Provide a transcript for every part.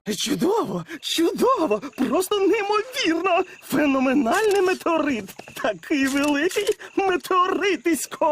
Чудово, чудово, просто неймовірно. Феноменальний метеорит. Такий великий метеоритисько.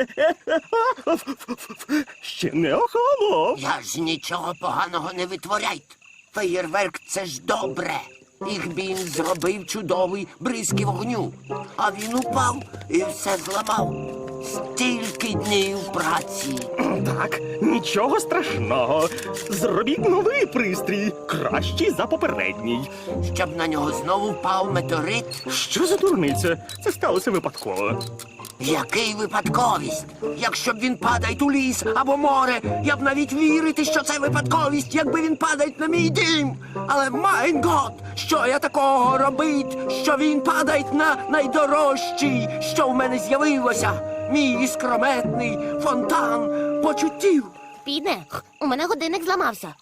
Ще не охолонув. Я ж нічого поганого не витворяйте. Феєрверк – це ж добре. Ігбін зробив чудовий бризки вогню. А він упав і все зламав. Стільки днів праці. Так, нічого страшного. Зробіть новий пристрій, кращий за попередній. Щоб на нього знову впав метеорит. Що за дурниця? Це сталося випадково. Який випадковість? Якщо б він падає у ліс або море, я б навіть вірити, що це випадковість, якби він падає на мій дім. Але, майн гот, що я такого робить, що він падає на найдорожчий, що в мене з'явилося? Мій іскрометний фонтан почуттів. Піде, у мене годинник зламався.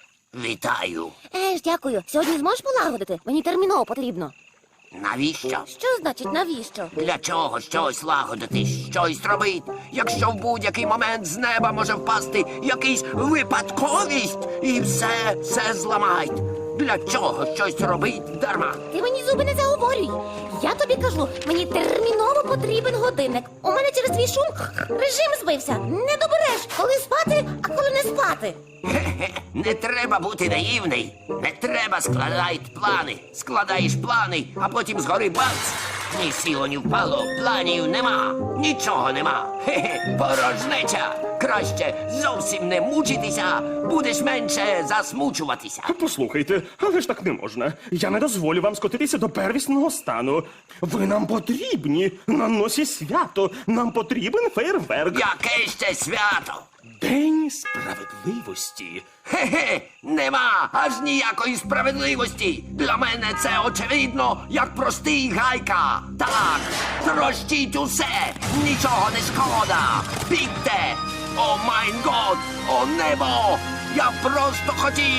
Вітаю. Дякую. Сьогодні зможеш полагодити? Мені терміново потрібно. Навіщо? Що значить навіщо? Для чого щось лагодити, щось робить, якщо в будь-який момент з неба може впасти якийсь випадковість і все зламають? Для чого щось робить дарма? Ти мені зуби не заговорюй. Я тобі кажу, мені терміново потрібен годинник. У мене через твій шум режим збився. Не добереш, коли спати, а коли не спати. Хе-хе, не треба бути наївний. Не треба складати плани. Складаєш плани, а потім згори бац. Ні сіло, ні впало, планів нема. Нічого нема. Хе-хе, порожнеча. Краще зовсім не мучитися, будеш менше засмучуватися. Послухайте, але ж так не можна. Я не дозволю вам скотитися до первісного стану. Ви нам потрібні. На носі свято. Нам потрібен фейерверк. Яке ще свято? День справедливості. Хе-хе, нема аж ніякої справедливості. Для мене це очевидно, як простий гайка. Так, трощіть усе, нічого не шкода. Бігте! О майн год, о небо! Я просто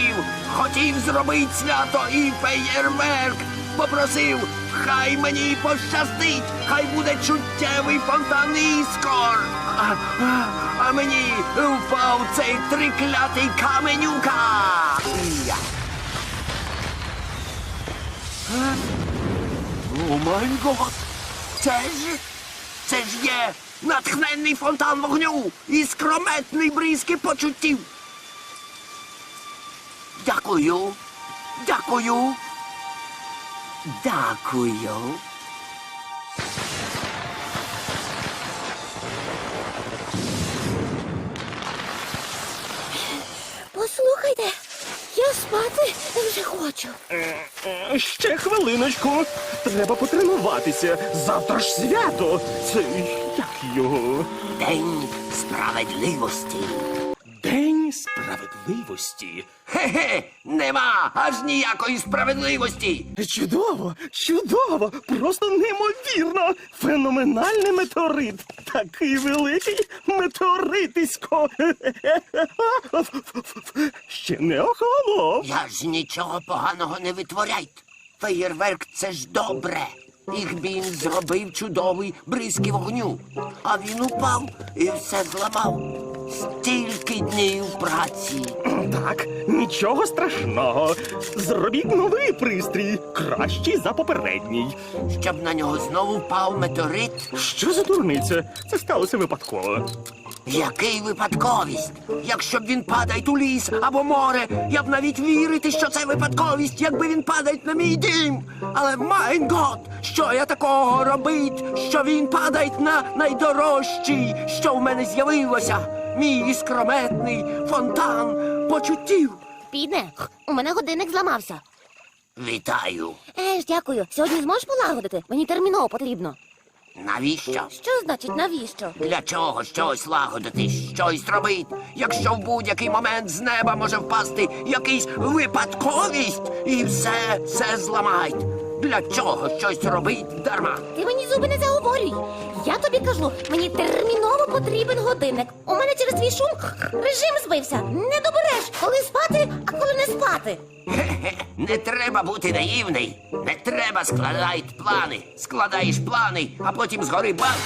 хотів зробити свято і феєрверк. Попросив, хай мені пощастить, хай буде чуттєвий фонтан іскор. А мені впав цей триклятий каменюка. Я. О май гот! Це ж є натхненний фонтан вогню і скрометний бризки почуттів. Дякую. Дякую. Дякую. Послухайте, я спати вже хочу. Ще хвилиночку. Треба потренуватися. Завтра ж свято. Це як його? День справедливості. День справедливості. Хе-хе, нема аж ніякої справедливості. Чудово, чудово, просто неймовірно. Феноменальний метеорит. Такий великий метеоритисько. Ще не охолонув. Я ж нічого поганого не витворяйте. Феєрверк – це ж добре. Ігбін зробив чудовий бризки вогню. А він упав і все зламав. Стільки днів праці. Так, нічого страшного. Зробіть новий пристрій, кращий за попередній. Щоб на нього знову впав метеорит. Що за дурниця? Це сталося випадково. Який випадковість? Якщо б він падає у ліс або море, я б навіть вірити, що це випадковість, якби він падає на мій дім. Але, майн гот, що я такого робить, що він падає на найдорожчий, що в мене з'явилося? Мій іскрометний фонтан почуттів. Піде, у мене годинник зламався. Вітаю. Дякую. Сьогодні зможеш полагодити? Мені терміново потрібно. Навіщо? Що значить навіщо? Для чого щось лагодити, щось робить, якщо в будь-який момент з неба може впасти якийсь випадковість і все зламають? Для чого щось робить дарма? Ти мені зуби не заговорюй. Я тобі кажу, мені терміново потрібен годинник. У мене через твій шум режим збився. Не добереш, коли спати, а коли не спати. Хе-хе, не треба бути наївний. Не треба складати плани. Складаєш плани, а потім згори бац.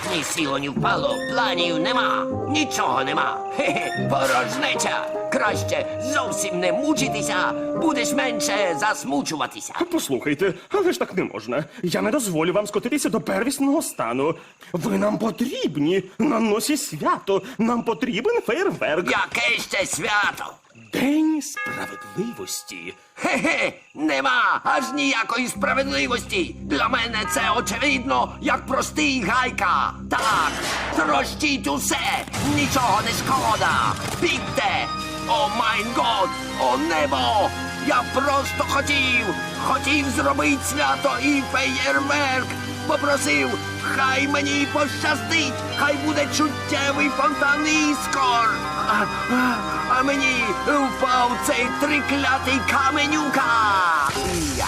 Ні сіло, ні впало, планів нема, нічого нема. Хе-хе, порожнеча. Краще зовсім не мучитися, будеш менше засмучуватися. Послухайте, але ж так не можна. Я не дозволю вам скотитися до первісного стану. Ви нам потрібні на носі свято. Нам потрібен фейерверк. Яке ще свято? День справедливості. Хе-хе, нема аж ніякої справедливості. Для мене це очевидно, як простий гайка. Так, трощіть усе, нічого не шкода. Бігте! О майн год, о небо! Я просто хотів зробити свято і феєрверк. Попросив, хай мені пощастить, хай буде чуттєвий фонтан іскор. А мені впав цей триклятий каменюка. Я.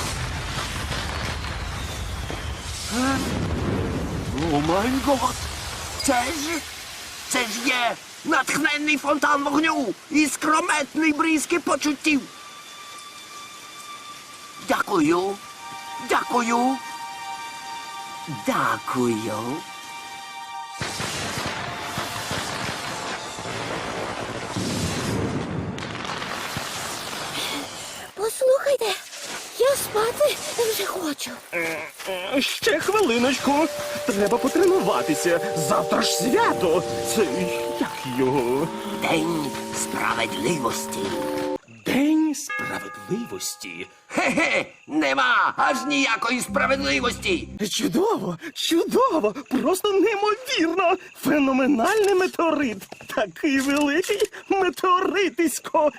О май гот! Це ж є натхненний фонтан вогню і скрометний бризки почуттів. Дякую. Послухайте, я спати вже хочу. Ще хвилиночку. Треба потренуватися. Завтра ж свято. Це як його? День справедливості. День справедливості. Хе-хе, нема аж ніякої справедливості. Чудово, просто неймовірно. Феноменальний метеорит. Такий великий метеоритисько.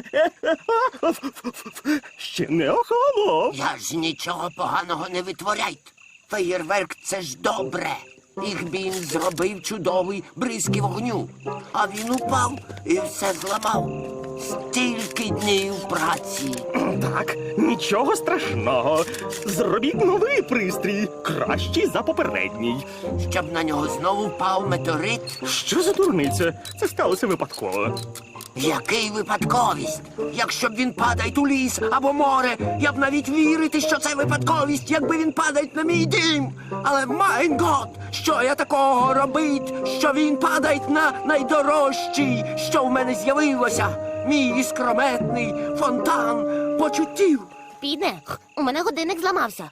Ще не охолонув. Я ж нічого поганого не витворяйте. Феєрверк — це ж добре. Їх він зробив чудовий бризки вогню. А він упав і все зламав. Стільки днів праці. Так, нічого страшного. Зробіть новий пристрій, кращий за попередній. Щоб на нього знову впав метеорит. Що за дурниця? Це сталося випадково. Який випадковість? Якщо б він падає у ліс або море, я б навіть вірити, що це випадковість, якби він падає на мій дім. Але майн гот, що я такого робить, що він падає на найдорожчий, що в мене з'явилося? Мій іскрометний фонтан почуттів. Підне, у мене годинник зламався.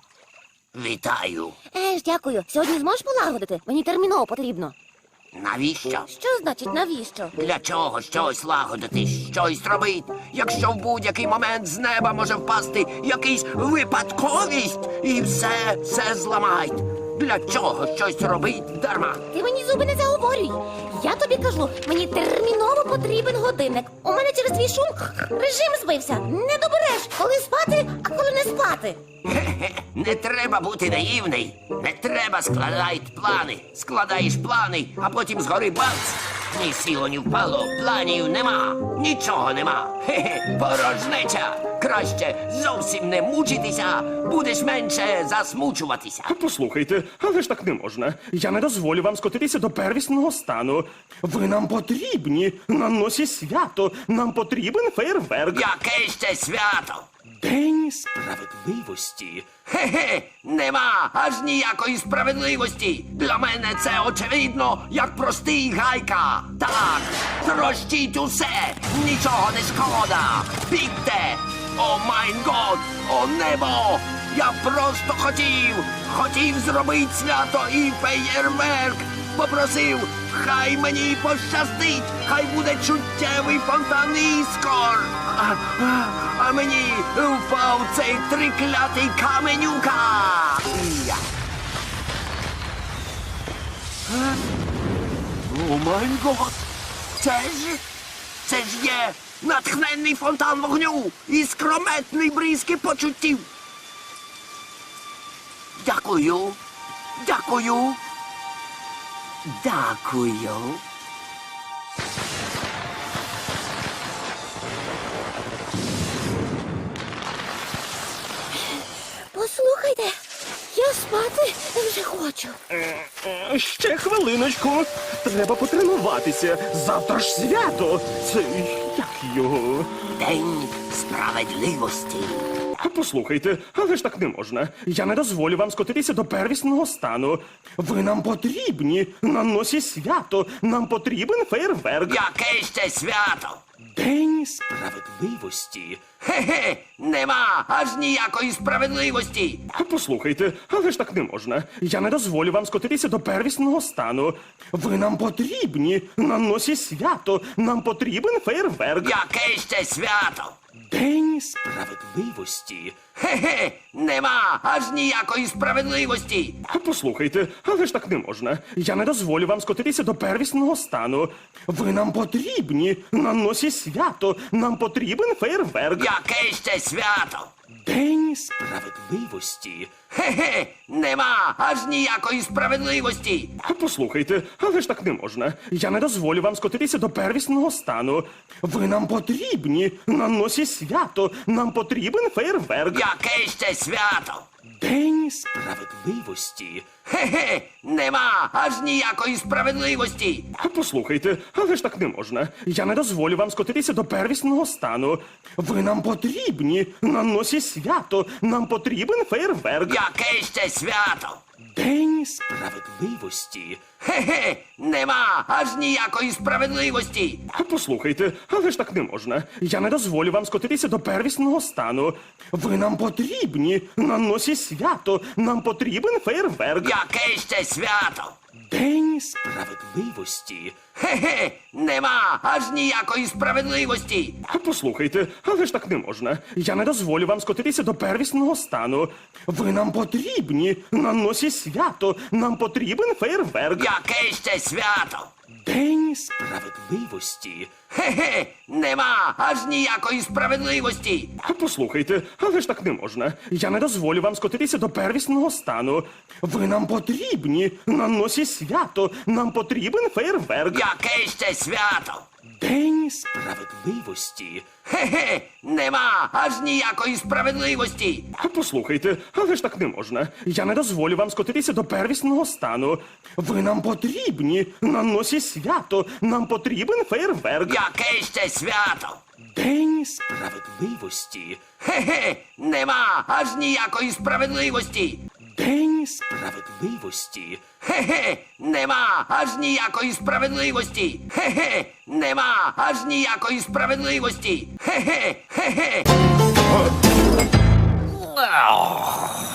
Вітаю. Дякую. Сьогодні зможеш полагодити? Мені терміново потрібно. Навіщо? Що значить навіщо? Для чого щось лагодити, щось робить, якщо в будь-який момент з неба може впасти якийсь випадковість і все зламають? Для чого щось робить дарма? Ти мені зуби не заговорюй. Я тобі кажу, мені терміново потрібен годинник. У мене через твій шум режим збився. Не добереш, коли спати, а коли не спати. Хе-хе, не треба бути наївний. Не треба складати плани. Складаєш плани, а потім згори бац. Ні сіло, ні впало, планів нема, нічого нема. Хе-хе, порожнеча. Краще зовсім не мучитися, будеш менше засмучуватися. Послухайте, але ж так не можна. Я не дозволю вам скотитися до первісного стану. Ви нам потрібні на носі свято. Нам потрібен фейерверк. Яке ще свято? День справедливості. Хе-хе, нема аж ніякої справедливості. Для мене це очевидно, як простий гайка. Так, трощіть усе, нічого не шкода. Бігте! О майн год, о небо! Я просто хотів зробити свято і феєрверк. Попросив, хай мені пощастить, хай буде чуттєвий фонтан іскор. А мені впав цей триклятий каменюка. Я. О май гот! Це ж є натхненний фонтан вогню і скрометний бризки почуттів. Дякую. Послухайте, я спати вже хочу. Ще хвилиночку. Треба потренуватися. Завтра ж свято. Це як його? День справедливості. Послухайте, але ж так не можна. Я не дозволю вам скотитися до первісного стану. Ви нам потрібні на носі свято. Нам потрібен фейерверк. Яке ще свято? День справедливості. Хе-хе, нема аж ніякої справедливості. Послухайте, але ж так не можна. Я не дозволю вам скотитися до первісного стану. Ви нам потрібні на носі свято. Нам потрібен фейерверк. Яке ще свято? День справедливості. Хе-хе, нема аж ніякої справедливості. Послухайте, але ж так не можна. Я не дозволю вам скотитися до первісного стану. Ви нам потрібні на носі свято. Нам потрібен фейерверк. Яке ще свято? День справедливості. Хе-хе, нема аж ніякої справедливості. Послухайте, але ж так не можна. Я не дозволю вам скотитися до первісного стану. Ви нам потрібні на носі свято. Нам потрібен фейерверк. Яке ще свято? День справедливості. Хе-хе, нема аж ніякої справедливості. Послухайте, але ж так не можна. Я не дозволю вам скотитися до первісного стану. Ви нам потрібні на носі свято. Нам потрібен фейерверк. Яке ще свято? День справедливості. Хе-хе, нема аж ніякої справедливості. Послухайте, але ж так не можна. Я не дозволю вам скотитися до первісного стану. Ви нам потрібні на носі свято. Нам потрібен фейерверк. Яке ще свято? День справедливості. Хе-хе, нема аж ніякої справедливості. Послухайте, але ж так не можна. Я не дозволю вам скотитися до первісного стану. Ви нам потрібні на носі свято. Нам потрібен фейерверк. Яке ще свято? День справедливості. Хе-хе, нема аж ніякої справедливості. Послухайте, але ж так не можна. Я не дозволю вам скотитися до первісного стану. Ви нам потрібні на носі свято. Нам потрібен фейерверк. Яке ще свято? День справедливості. Хе-хе, нема аж ніякої справедливості. Послухайте, але ж так не можна. Я не дозволю вам скотитися до первісного стану. Ви нам потрібні на носі свято. Нам потрібен фейерверк. Яке ще свято? День справедливості. Хе-хе, нема аж ніякої справедливості. День справедливості. Хе-хе, нема аж ніякої справедливості. Хе-хе, нема аж ніякої справедливості. Хе-хе, хе-хе.